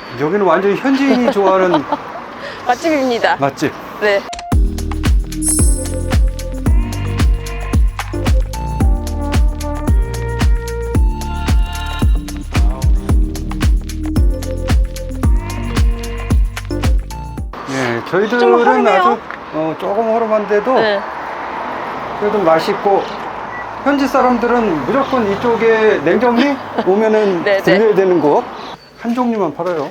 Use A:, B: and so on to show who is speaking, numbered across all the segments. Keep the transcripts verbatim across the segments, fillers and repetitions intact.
A: 여기는 완전히 현지인이 좋아하는
B: 맛집입니다.
A: 맛집.
B: 네.
A: 네,
B: 좀
A: 저희들은
B: 허름해요.
A: 아주 어, 조금 허름한데도
B: 네.
A: 그래도 맛있고, 현지 사람들은 무조건 이쪽에 냉정리 오면은
B: 네, 네.
A: 들려야 되는 곳 한 종류만 팔아요.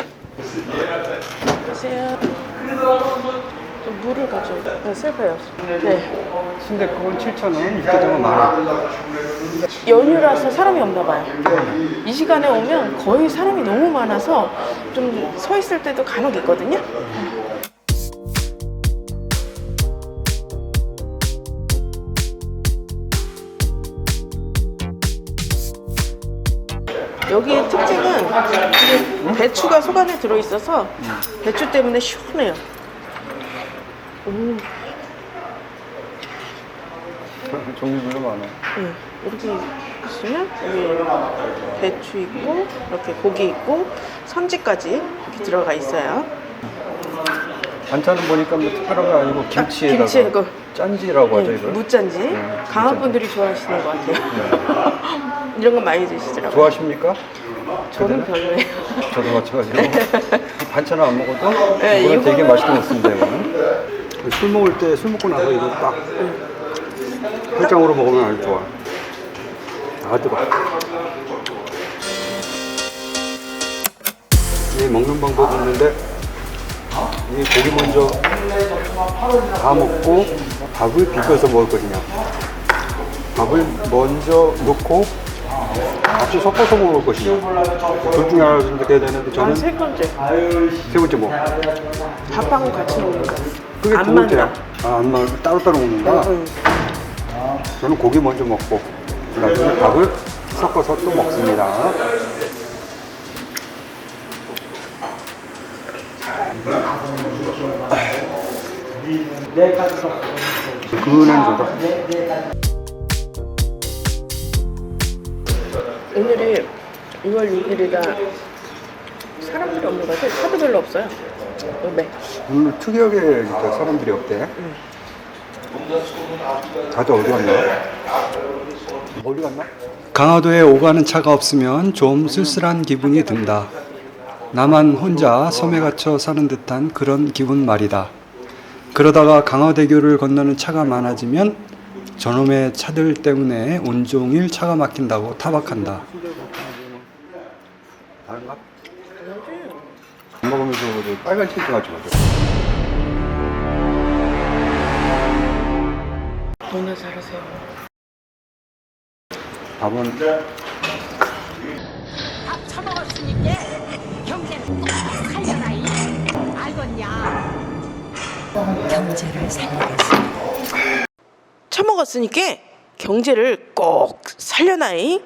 B: 보세요. 좀 물을 가져. 네, 슬퍼요. 네.
A: 순댓국은 칠천 원, 육개장은 만 원.
B: 연휴라서 사람이 없나 봐요. 이 시간에 오면 거의 사람이 너무 많아서 좀 서 있을 때도 간혹 있거든요. 여기의 특징은 이게 배추가 속 안에 들어있어서 배추 때문에 시원해요. 오,
A: 종류별로 많아.
B: 네. 이렇게 있으면 여기 배추 있고 이렇게 고기 있고 선지까지 이렇게 들어가 있어요.
A: 반찬은 보니까 뭐 특별한 거 아니고 김치에다가
B: 김치, 이거.
A: 짠지라고 하죠,
B: 네,
A: 이걸.
B: 무짠지.
A: 네,
B: 강한
A: 무짠지.
B: 분들이 좋아하시는 것 같아요. 이런 거 많이 드시더라고요.
A: 좋아하십니까?
B: 저는 별로예요.
A: 저도 마찬가지로 반찬을 안 먹어도
B: 네,
A: 이거는 되게
B: 이거는-
A: 맛있게 먹습니다. 이거는 술 먹을 때 술 먹고 나서 이거 딱 해장으로 먹으면 아주 좋아. 아 뜨거. 이 먹는 방법이 있는데, 이 고기 먼저 다 먹고 밥을 비벼서 먹을 것이냐, 밥을 먼저 넣고 같이 섞어서 먹을 것이냐, 둘 중에 하나 선택해야 되는데, 저는
B: 아, 세 번째.
A: 세 번째 뭐?
B: 밥하고 같이 먹는 거.
A: 그게
B: 안
A: 두 번째야.
B: 맞나?
A: 아, 안 맞, 따로따로 먹는다.
B: 응.
A: 저는 고기 먼저 먹고 나중에 밥을 섞어서 또 먹습니다. 그는 좋다.
B: 오늘이 이월 육 일이라 사람들이 없는 것 같아요. 차도 별로 없어요. 네.
A: 오늘 특이하게 진짜 사람들이 없대. 다들 어디 갔나? 어디 갔나? 강화도에 오가는 차가 없으면 좀 쓸쓸한 기분이 든다. 나만 혼자 섬에 갇혀 사는 듯한 그런 기분 말이다. 그러다가 강화대교를 건너는 차가 많아지면 저놈의 차들 때문에 온종일 차가 막힌다고 타박한다. 다른가? 안 먹으면서 빨간 치즈 같이 먹어.
B: 너나 잘하세요.
A: 밥은
C: 밥 처먹었으니까 경제는 꼭 살려라 이 알겠냐. 경제를 살리겠습니다.
B: 처먹었으니까 경제를 꼭 살려놔이.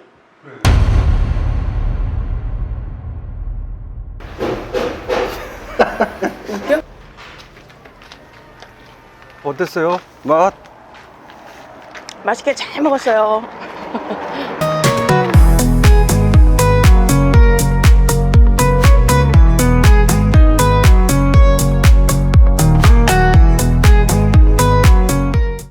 B: 웃겨?
A: 어땠어요? 맛?
B: 맛있게 잘 먹었어요.